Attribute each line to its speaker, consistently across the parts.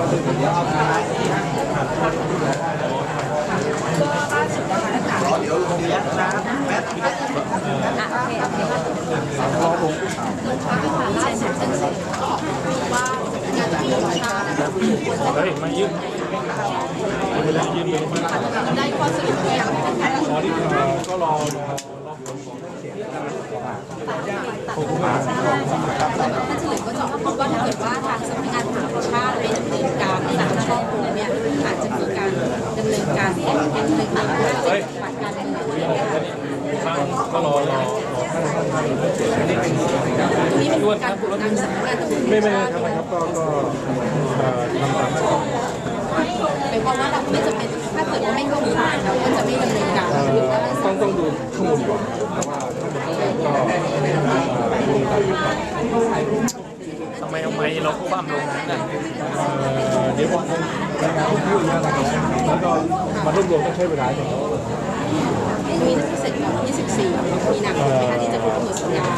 Speaker 1: ล่าสุดนะคะเดี๋ยวลงยักษ์นะแมทโอเคล่าสุดเส้นสุดว่าการที่ชา
Speaker 2: เฮ้ยมายืมเวลายืมเลยมา
Speaker 1: ได้ข้อสรุปอย่าง
Speaker 2: พอที่ก็รอ
Speaker 1: ท่านเฉลิมก็จะพบว่าถ้าเกิดว่าทางสำนักงานตำรวจชาติไม่ดำเนินการในการช่อโกงเนี่ยอาจจะมีการดำเนินการฟ้องดำเนินการว่าจะผ่านการดำเนินการ
Speaker 2: ก็รอ
Speaker 1: นี่เป็นการกดดันสำนักงานตำรวจ
Speaker 2: ไม่ครับก็ทำตามขั้นตอน
Speaker 1: เป็นเพราะว่าเราไม่จำเป็นถ้าเกิดว่าไม่เข้าข่ายเราก็จะไม่ดำเนินการ
Speaker 2: ต้องดูข้อมูลก่อนทำไมเราคว่ำลงนั้นเดี๋ยวผมพูดนะแล้วก็มารวบรวมต้องใช้เวลาอย่างนี้
Speaker 1: มีนักพิเศษของ24มีนาคมนะคะที่จะครบกำหนดสัญญา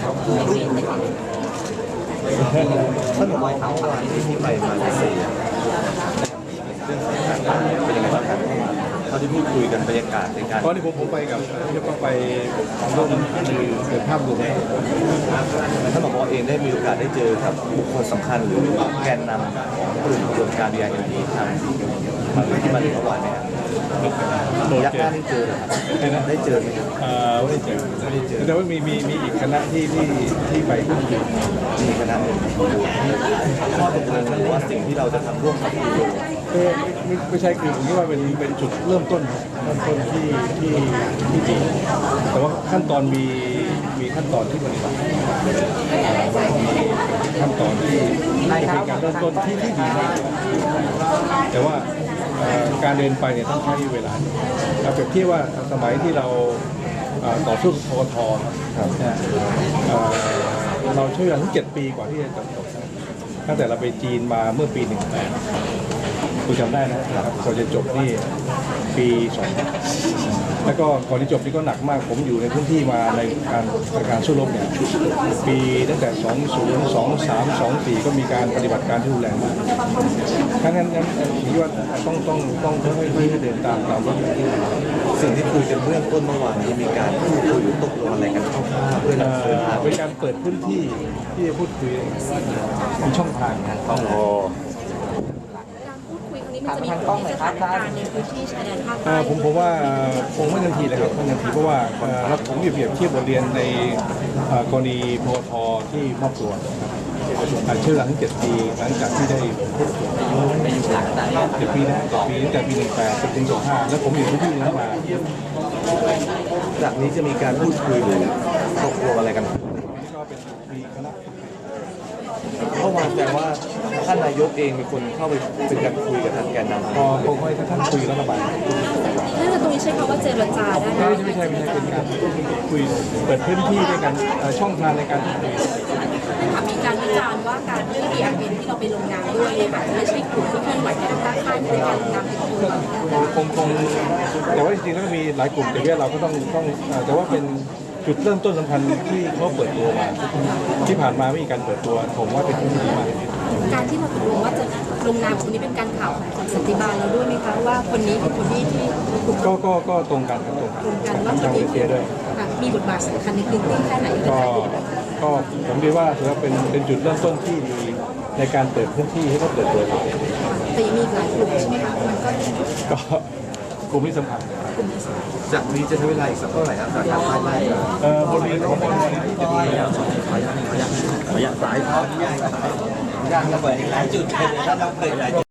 Speaker 3: ท่านบอกว่าทั้งวันที่ไปมาเลเซียเรื่องของการเป็นยังไงบ้างครับเขาที่พูดคุยกันบรรยากาศในการ
Speaker 2: ตอนนี้ผมไปกับที่ก็ไปร่วมเกิดภาพรวม
Speaker 3: ท่านบอกว่าเองได้มีโอกาสได้เจอกับบุคคลสำคัญหรือแกนนำของกลุ่มกระบวนการ BIMP ทางที่มาถึงเมื่อวานเนี่ยยักษ์หน้าได้เจอได้เจอไหม
Speaker 2: ไม่ได้เจอแต่ว่ามีอีกคณะที่ไปพูดคุย
Speaker 3: มีคณะข้อตกลงหรือว่าสิ่งที่เราจะทำร่วมกับคุณ
Speaker 2: ไม่ใช่คือผมคิดว่าเป็นจุดเริ่มต้นที่ดีแต่ว่าขั้นตอนมีขั้นตอนที่ปฏิบัติขั้นตอนที่เป็นการเริ่มต้นที่ดีมากแต่ว่าการเดินไปเนี่ยต้องใช้เวลาเราเปรียบเทียบว่าสมัยที่เราต่อสู้กับปตทครับเราใช้เวลาถึง7 ปีกว่าที่จะจบตั้งแต่เราไปจีนมาเมื่อปี18คุณจำได้นะครับก่อนจะจบนี่ปี2แล้วก็ก่อนที่จบนี่ก็หนักมากผมอยู่ในพื้นที่มาในการสู้รบเนี่ยปีตั้งแต่20 23 24ก็มีการปฏิบัติการที่รุนแรงมากทั้งนั้นผมคิดว่าต้องค่อยๆเดินตามรถ
Speaker 3: สิ่งที่คุยกันเรื่องต้นเมื่อวานนี้มีการพูดคุยตกลงอะไรกันคร่าวๆเพื่อเดินทาง
Speaker 2: เป็นการเปิดพื้นที่ที่จะพูดคุยมีช่องทาง
Speaker 1: การพูดคุยครั้งนี้มันจะมีผลในสถานการณ์ในพื้นที่ชายแดนภาคใต้
Speaker 2: ผมว่าคงไม่ทันทีเลยครับไม่ทันทีเพราะว่าผมเปรียบเทียบบทเรียนในกรณีปตทที่มอบตัวใช้เวลาถึง7 ปีหลังจากที่ได้พูดคุย7 ปีนะ7 ปีตั้งแต่ปี18ถึง25แล้วผมอยู่ที่นั้นมา
Speaker 3: จากนี้จะมีการพูดคุยหรือตกลงอะไรกัน
Speaker 2: ก็เป็นมีคณะ
Speaker 3: เมื่อวานแสดงว่าท่านนายกเองมีคนเข้าไปเป็นการคุยกับทางแกนนำ
Speaker 2: พอให้ท่านคุยแล้วระบาย
Speaker 1: น่าจะตรงนี้ใช้คำว่าเจรจาได้ไหม
Speaker 2: ไม่ใช่เป็นการคุยเปิดพื้นที่ด้วยกันช่องทางในการคุย
Speaker 1: มีการวิจารณ์ว่าการเรื่อง BIMP ที่เราไปลงนามด้วยเนี่ยอาจจะไม่ใช่กลุ่มที่เคลื่อนไหวในทางค่ายในการลงนาม
Speaker 2: คงแต่ว่าจริงๆแล้วมีหลายกลุ่มแต่ว่าเราก็ต้องแต่ว่าเป็นจุดเริ่มต้นสำคัญที่เขาเปิดตัวมาที่ผ่านมาไม่มีการเปิดตัวผมว่าเป็นที่ดีมาก
Speaker 1: การที่เราตกลงว่าจะลงนามคนนี้เป็นการข่าวของสันติบาลเราด้วยไหมคะว่าคนนี้เป็นคนที่
Speaker 2: ก็ตรงกัน
Speaker 1: ว่าคนนี้มีบทบาทสำคัญในพื้นที่แค่ไหน
Speaker 2: ก็ผมคิดว่าถือว่าเป็นจุดเริ่มต้นที่ดีในการเปิดพื้นที่ให้เขาเปิดตัว
Speaker 1: แต่ยังมีหลายกลุ่มใช่ไหมคะมัน
Speaker 2: ก็กลุ่มที่สำคัญ
Speaker 3: จากนี้จะใช้เวลาอีกสักเท่าไหร่ครับการไล่
Speaker 2: บทเรียนของบทเรียนที่จะดี
Speaker 3: ขออนุญาตสายขออนุญาตระเบิดอีกหลายจุดเลยถ้าเราเปิดหลายจุด